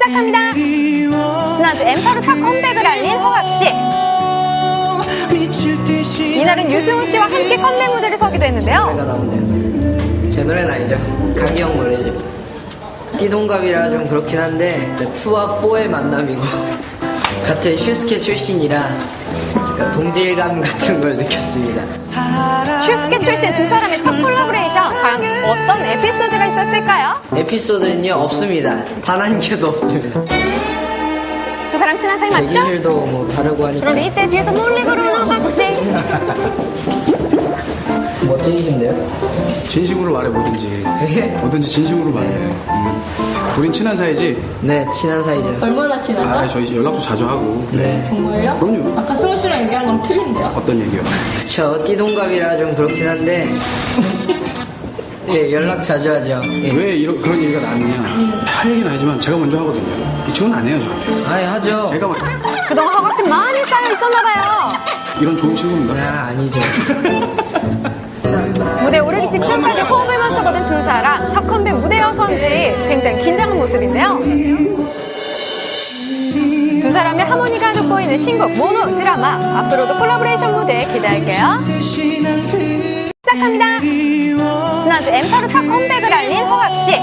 시작합니다. 지난주 엠파로 첫 컴백을 알린 허각씨. 이날은 유승우 씨와 함께 컴백 무대를 서기도 했는데요. 노래가 나오네요. 제 노래는 아니죠. 강기영 노래죠. 띠동갑이라 좀 그렇긴 한데 2와 4의 만남이고 같은 슈스케 출신이라 동질감 같은 걸 느꼈습니다. 슈스케 출신 두 사람의 첫 콜라보레이션, 과연 어떤 에피소드가 있었을까요? 에피소드는요 없습니다. 단 한 개도 없습니다. 두 사람 친한 사이 맞죠? 대기실도 뭐 다르고 하니까. 그런데 이때 뒤에서 몰래 걸어오는 허각씨. 멋쟁이신데요? 진심으로 말해 뭐든지 진심으로 말해. 우린 친한 사이지? 네, 친한 사이죠. 얼마나 친하죠? 저희 연락도 자주 하고. 네. 정말요? 그럼요. 아까 승우 씨랑 얘기한 거랑 틀린데요? 어떤 얘기요? 그쵸, 띠동갑이라 좀 그렇긴 한데 예, 연락 자주 하죠. 예. 왜 그런 얘기가 나왔느냐? 할 얘기는 아니지만 제가 먼저 하거든요. 이 친구는 안 해요, 저한테. 아예 하죠. 제가 그동안 허각씨 많이 쌓여 있었나봐요. 이런 좋은 친구입니다. 아니죠. 무대에 오르기 직전까지 호흡을 맞춰보던 두 사람, 첫 컴백 무대여서인지 굉장히 긴장한 모습인데요. 두 사람의 하모니가 돋보이는 신곡 모노 드라마, 앞으로도 콜라보레이션 무대 기대할게요. 시작합니다. 지난주 엠파로 첫 컴백을 알린 허각씨.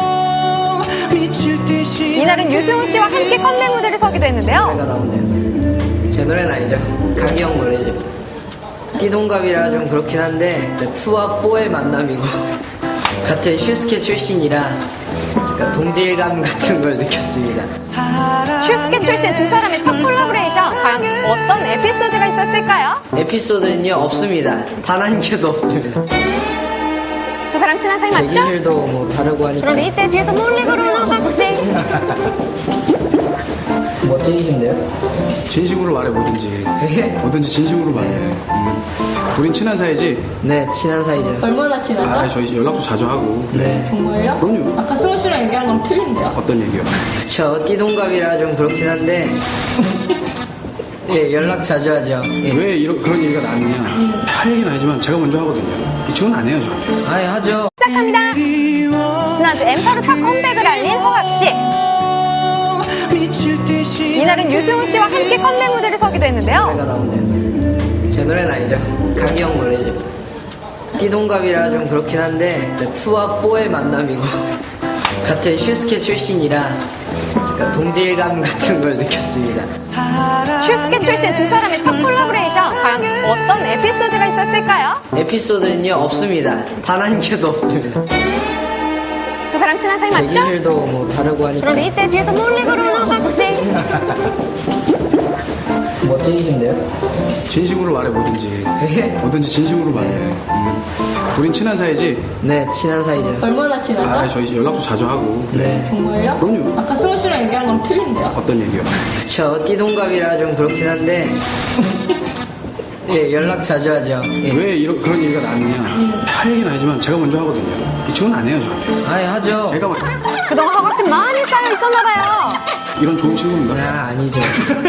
이날은 유승우 씨와 함께 컴백 무대를 서기도 했는데요. 노래가 나오네요. 제 노래는 아니죠. 강기영 노래죠. 띠동갑이라 좀 그렇긴 한데 2와 4의 만남이고 같은 슈스케 출신이라 동질감 같은 걸 느꼈습니다. 슈스케 출신 두 사람의 첫 콜라보레이션, 과연 어떤 에피소드가 있었을까요? 에피소드는요 없습니다. 단 한 개도 없습니다. 두 사람 친한 사이 맞죠? 대기실도 뭐 다르고 하니까. 그런데 이때 뒤에서 몰래 걸어오는 허각씨. 멋쟁이신데요? 진심으로 말해 뭐든지 진심으로 말해. 우린 친한 사이지? 네, 친한 사이죠. 얼마나 친하죠? 저희 연락도 자주 하고. 네. 정말요? 그럼요. 아까 승우 씨랑 얘기한 거랑 틀린데요? 어떤 얘기요? 그쵸, 띠동갑이라 좀 그렇긴 한데 예, 연락 자주 하죠. 예. 왜 그런 얘기가 나왔느냐? 할 얘기는 아니지만 제가 먼저 하거든요. 이 친구는 안 해요, 저한테. 아예 하죠. 시작합니다. 지난주 엠파로 첫 컴백을 알린 허각씨. 이날은 유승우 씨와 함께 컴백 무대를 서기도 했는데요. 노래가 나오네요. 제 노래는 아니죠. 강기영 노래죠. 띠동갑이라 좀 그렇긴 한데 2와 4의 만남이고 같은 슈스케 출신이라 동질감 같은 걸 느꼈습니다. 슈스케 출신 두 사람의 첫 콜라보레이션, 과연 어떤 에피소드가 있었을까요? 에피소드는요 없습니다. 단 한 개도 없습니다. 두 사람 친한 사이 맞죠? 대기실도 뭐 다르고 하니까. 그런데 이때 뒤에서 몰래 걸어오는 허각씨. 멋쟁이신데요? 진심으로 말해 뭐든지 진심으로 말해. 우린 친한 사이지? 네, 친한 사이죠. 얼마나 친하죠? 저희 연락도 자주 하고. 네. 정말요? 그럼요. 아까 승우 씨랑 얘기한 거랑 틀린데요? 어떤 얘기요? 그쵸, 띠동갑이라 좀 그렇긴 한데 예, 연락 자주 하죠. 예. 왜 그런 얘기가 나왔느냐? 할 얘기는 아니지만 제가 먼저 하거든요. 이 친구는 안 해요, 저한테. 아예 하죠. 제가 그동안 허각씨 많이 쌓여 있었나봐요. 이런 좋은 친구입니다. 아니죠.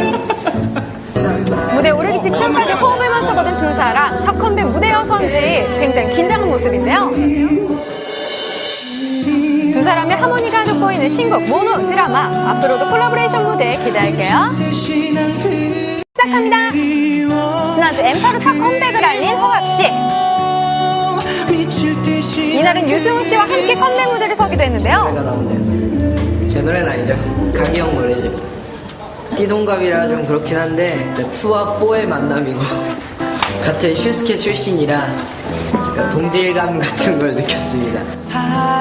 무대에 오르기 직전까지 호흡을 맞춰보던 두 사람, 첫 컴백 무대여서인지 굉장히 긴장한 모습인데요. 두 사람의 하모니가 돋보이는 신곡 모노 드라마, 앞으로도 콜라보레이션 무대 기대할게요. 시작합니다. 지난주 엠파로 첫 컴백을 알린 허각씨. 이날은 유승우 씨와 함께 컴백 무대를 서기도 했는데요. 노래가 나오네요. 제 노래는 아니죠. 강기영 노래죠. 띠동갑이라 좀 그렇긴 한데 2와 4의 만남이고 같은 슈스케 출신이라 동질감 같은 걸 느꼈습니다.